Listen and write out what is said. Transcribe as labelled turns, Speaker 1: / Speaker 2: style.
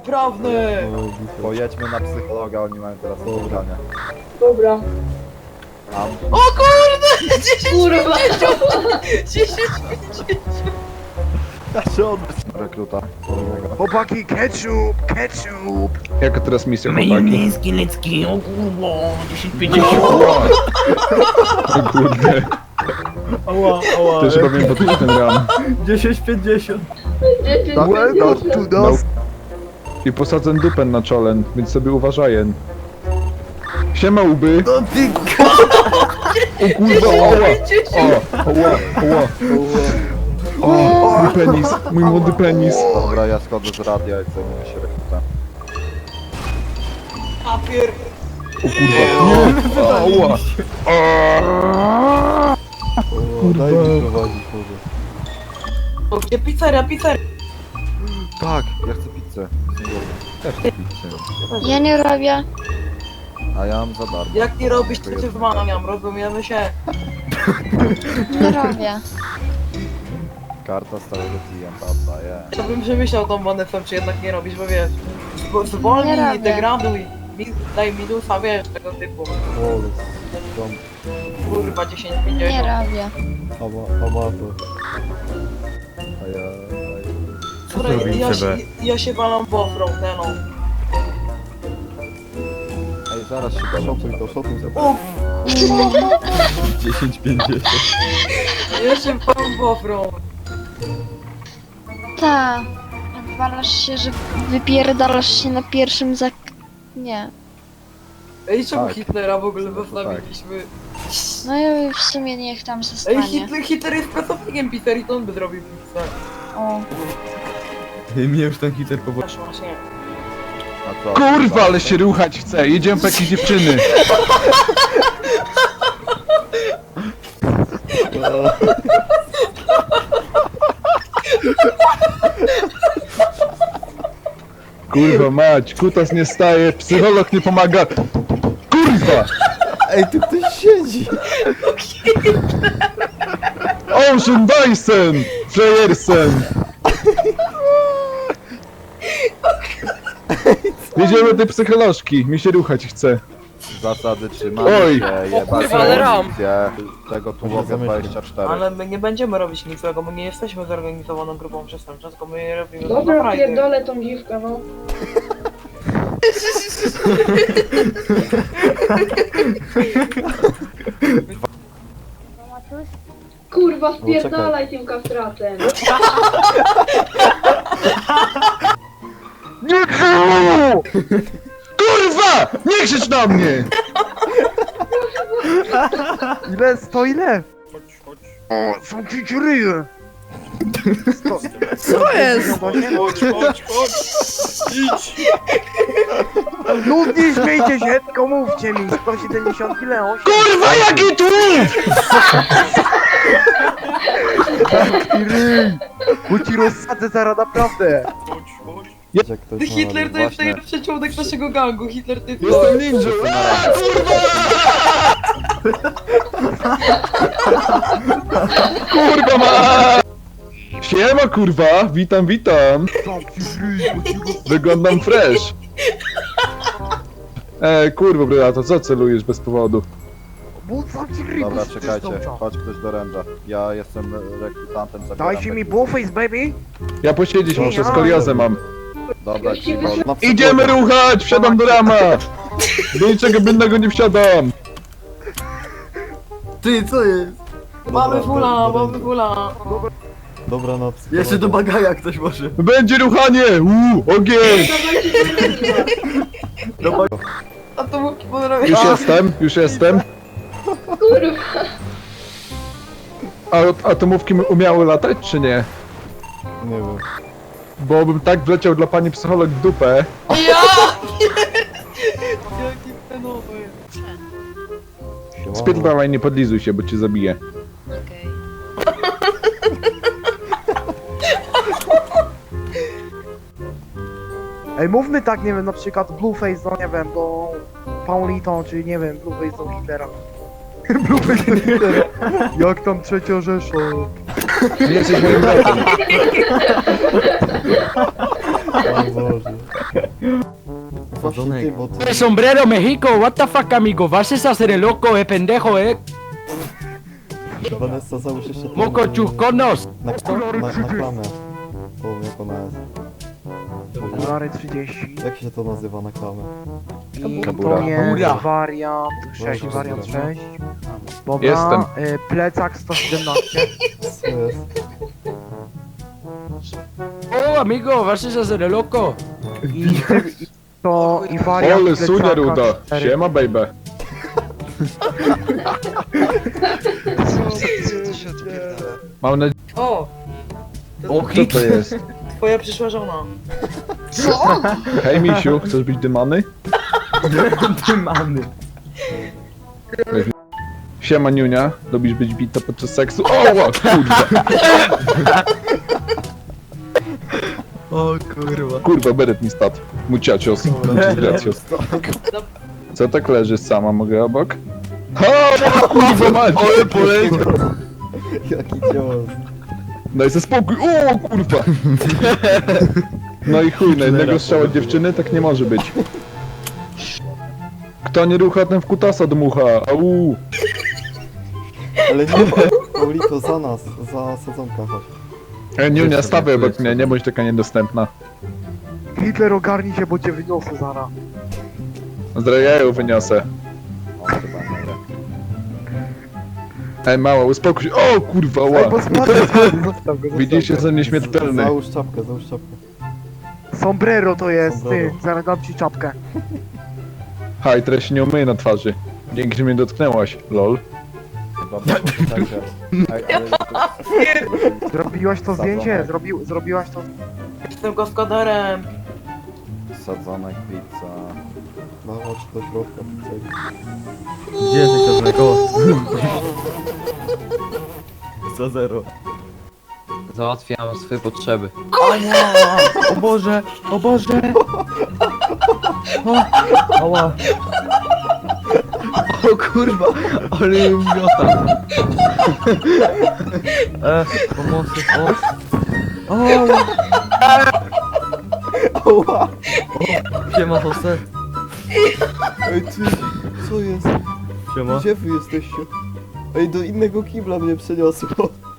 Speaker 1: prawny!
Speaker 2: Pojedźmy na psychologa, oni mają teraz spotkanie.
Speaker 3: Dobra.
Speaker 2: Tam.
Speaker 1: O kurde! 10
Speaker 3: Kurwa.
Speaker 1: 10
Speaker 2: Ja się odbyć. Rekruta.
Speaker 4: Chłopaki, ketchup, ketchup!
Speaker 5: Jaka teraz misja, chłopaki?
Speaker 6: Majonezki, lecki, o kurwa, 10,50.
Speaker 5: O kurde,
Speaker 4: Ała, ała.
Speaker 5: też powiem po ten ram.
Speaker 4: 10,50.
Speaker 2: Well done to
Speaker 5: No.
Speaker 2: those.
Speaker 5: I posadzę dupę na czolen, więc sobie uważaję. Siema łby!
Speaker 4: No ty
Speaker 5: O kurwa, oła! Oła! O, mój penis, mój młody penis.
Speaker 2: Dobra, ja schodzę z radia i zajmiemy się rekrutem.
Speaker 1: papier!
Speaker 5: O kurwa, nie! Oła! Kurwa.
Speaker 2: Daj mi prowadzić może.
Speaker 1: O, gdzie pizzeria, pizzeria?
Speaker 2: Tak, ja chcę pizzę. Też chcę pizzę.
Speaker 7: Ja nie robię.
Speaker 2: A ja mam za darmo.
Speaker 1: Jak nie robisz, to cię zwalniam, rozumiemy się.
Speaker 7: Nie robię.
Speaker 2: Karta stałego klienta oddaję.
Speaker 1: Ja bym przemyślał tą monetę, czy jednak nie robisz, bo wiesz, zwolnij,
Speaker 7: Nie robię.
Speaker 1: degraduj, daj minusa, wiesz, tego typu. Kurwa, 10,50.
Speaker 7: Nie robię.
Speaker 2: Amator. A ja...
Speaker 1: Słuchaj, ja się walam w offroad, no.
Speaker 2: Ej, zaraz się szotuj to, szotuj za
Speaker 1: O,
Speaker 2: 10,50.
Speaker 1: ja się walam w offroad.
Speaker 7: Ta. Walasz się, że wypierdalasz się na pierwszym Nie.
Speaker 1: Ej, czemu
Speaker 2: Tak.
Speaker 1: Hitlera w ogóle
Speaker 2: No to
Speaker 1: zostawiliśmy?
Speaker 7: No i w sumie niech tam
Speaker 1: Ej,
Speaker 7: zostanie.
Speaker 1: Hitler jest pracownikiem pizzerii, to on by zrobił pizzę.
Speaker 7: O.
Speaker 4: Mnie już ten hiter powoli.
Speaker 1: Właśnie, właśnie.
Speaker 2: A co?
Speaker 5: Kurwa, ale się ruchać chce, jedziemy po jakieś dziewczyny. Kurwa mać, kutas nie staje, psycholog nie pomaga. Kurwa!
Speaker 4: Ej, tu ktoś siedzi!
Speaker 5: Ocean Dyson! Frejersen! Jedziemy do tej psycholożki, mi się ruchać chce.
Speaker 2: Zasady trzymania
Speaker 5: Oj.
Speaker 2: się,
Speaker 1: O
Speaker 2: jebać
Speaker 1: kurwa, ale ram.
Speaker 2: policję, tego tu mogę 24.
Speaker 1: Ale my nie będziemy robić nic złego, my nie jesteśmy zorganizowaną grupą przestępczą, tylko my robimy to na
Speaker 3: Dobra,
Speaker 1: frajdę.
Speaker 3: pierdolę tą dziwkę, no. Kurwa, spierdalaj tym kastratem.
Speaker 5: Nie krzycz! Kurwa! Nie krzycz na mnie!
Speaker 4: Ile? 100 ile?
Speaker 5: O, są ci ryje!
Speaker 4: Co jest?
Speaker 8: No nie śmiejcie się, tylko mówcie mi, 170 ile? 8?
Speaker 5: Kurwa, jaki tłum!
Speaker 8: Taki ryj! Bo ci rozsadzę zaraz naprawdę!
Speaker 1: Hitler to jest najlepszy członek naszego gangu, Hitler to jest...
Speaker 5: Jestem ninja! Kurwa ma! Siema kurwa, witam, witam! Wyglądam fresh! Kurwa bryla, to co celujesz bez powodu?
Speaker 8: Bo sam ci ryj!
Speaker 2: Dobra, czekajcie, chodź ktoś do ręża. Ja jestem rekrutantem, zabieram
Speaker 8: Dajcie mi
Speaker 2: rekrutów.
Speaker 8: blueface, baby!
Speaker 5: Ja posiedzieć muszę, skoliozę mam.
Speaker 2: Dobra, ci
Speaker 5: Idziemy ruchać, wsiadam do rama! Do niczego innego nie wsiadam!
Speaker 4: Ty, co jest?
Speaker 1: Mamy fula, mamy fula.
Speaker 2: Dobra noc.
Speaker 4: Jeszcze do bagaja ktoś może.
Speaker 5: Będzie ruchanie! Ogień!
Speaker 1: A to mógł podrobić.
Speaker 5: Już jestem.
Speaker 3: Kurwa.
Speaker 5: A atomówki umiały latać, czy nie?
Speaker 2: Nie wiem.
Speaker 5: Bo bym tak wleciał dla pani psycholog w dupę.
Speaker 1: Ja! Jaki fenomen.
Speaker 5: Spierdalaj, nie podlizuj się, bo cię zabiję.
Speaker 7: Okej.
Speaker 8: Ej, mówmy tak, nie wiem, na przykład blueface do, nie wiem, do Paulito, czy nie wiem, blueface do Hitlera. Blueface do Hitlera. Jak tam trzecia Rzesza?
Speaker 5: Nie jesteś moim bratem.
Speaker 2: Właśnie ty, bo ty...
Speaker 6: Sombrero México, what the fuck amigo, vas a hacer el loco, pendejo,
Speaker 2: Vanessa, załóż jeszcze to
Speaker 6: moco chusconos.
Speaker 2: na klamę. Powiem jak ona jest.
Speaker 8: Okulary 30.
Speaker 2: Jak się to nazywa na klamę?
Speaker 8: I
Speaker 5: Kabura.
Speaker 8: to jest
Speaker 6: Kabura.
Speaker 8: wariant 6, wariant 6. Dobra,
Speaker 5: Jestem.
Speaker 8: Plecak 117.
Speaker 2: Co jest?
Speaker 6: Oh amigo, vas a hacer el loco.
Speaker 8: I wariant
Speaker 5: Ole, sunia
Speaker 8: plecaka
Speaker 5: ruda.
Speaker 8: 4.
Speaker 5: Siema, baby. Mam nadzieję,
Speaker 1: O!
Speaker 5: co to jest?
Speaker 1: Twoja przyszła żona.
Speaker 7: Co?
Speaker 5: Hej, misiu, chcesz być dymany?
Speaker 4: Dymany.
Speaker 5: Siema, niunia. Lubisz być bita podczas seksu? O, ła, kurwa.
Speaker 4: O kurwa.
Speaker 5: Kurwa, beret mi spadł. Muciacios. Muciacios. Co tak leżysz sama? Mogę obok? Ha, kurwa, mać.
Speaker 4: Ale poleciał.
Speaker 2: Jaki cios.
Speaker 5: Daj se spokój. O, kurwa. No i chuj, na jednego strzała dziewczyny tak nie może być. Kto nie rucha, ten w kutasa dmucha. Au.
Speaker 2: Ale nie, Paulito, za nas, za sadzonka chodź.
Speaker 5: Niunia, stawaj obok mnie, nie bądź taka niedostępna.
Speaker 8: Hitler, ogarnij się, bo cię wyniosę zaraz.
Speaker 5: Zdrojeju wyniosę. Ej, mała, uspokój się. O, kurwa,
Speaker 8: Ej, bo
Speaker 5: ła.
Speaker 8: spadł, zostaw go.
Speaker 5: Widzisz, jestem nieśmiertelny.
Speaker 2: Załóż czapkę, załóż czapkę.
Speaker 8: Sombrero to jest, ty.
Speaker 2: Sombrero.
Speaker 8: Zaraz dam ci czapkę.
Speaker 5: Haj, teraz się nie umyję na twarzy. Dzięki, że mnie dotknęłaś, lol.
Speaker 8: Zrobiłaś to zdjęcie? Zrobiłaś to...
Speaker 1: Jestem gospodarem.
Speaker 2: Sadzonek, pizza. No chodź do środka, pizza.
Speaker 4: Gdzie jesteś to mleko? Za zero.
Speaker 9: Załatwiam swoje potrzeby.
Speaker 1: O nie!
Speaker 4: O Boże! O Boże! O, ała. O kurwa! Ale miota. Pomocy, o.
Speaker 2: Oła!
Speaker 4: Siema, Jose.
Speaker 2: Ej ty, co jest?
Speaker 4: Siema.
Speaker 2: Gdzie wy jesteście? Ej, do innego kibla mnie przeniosło.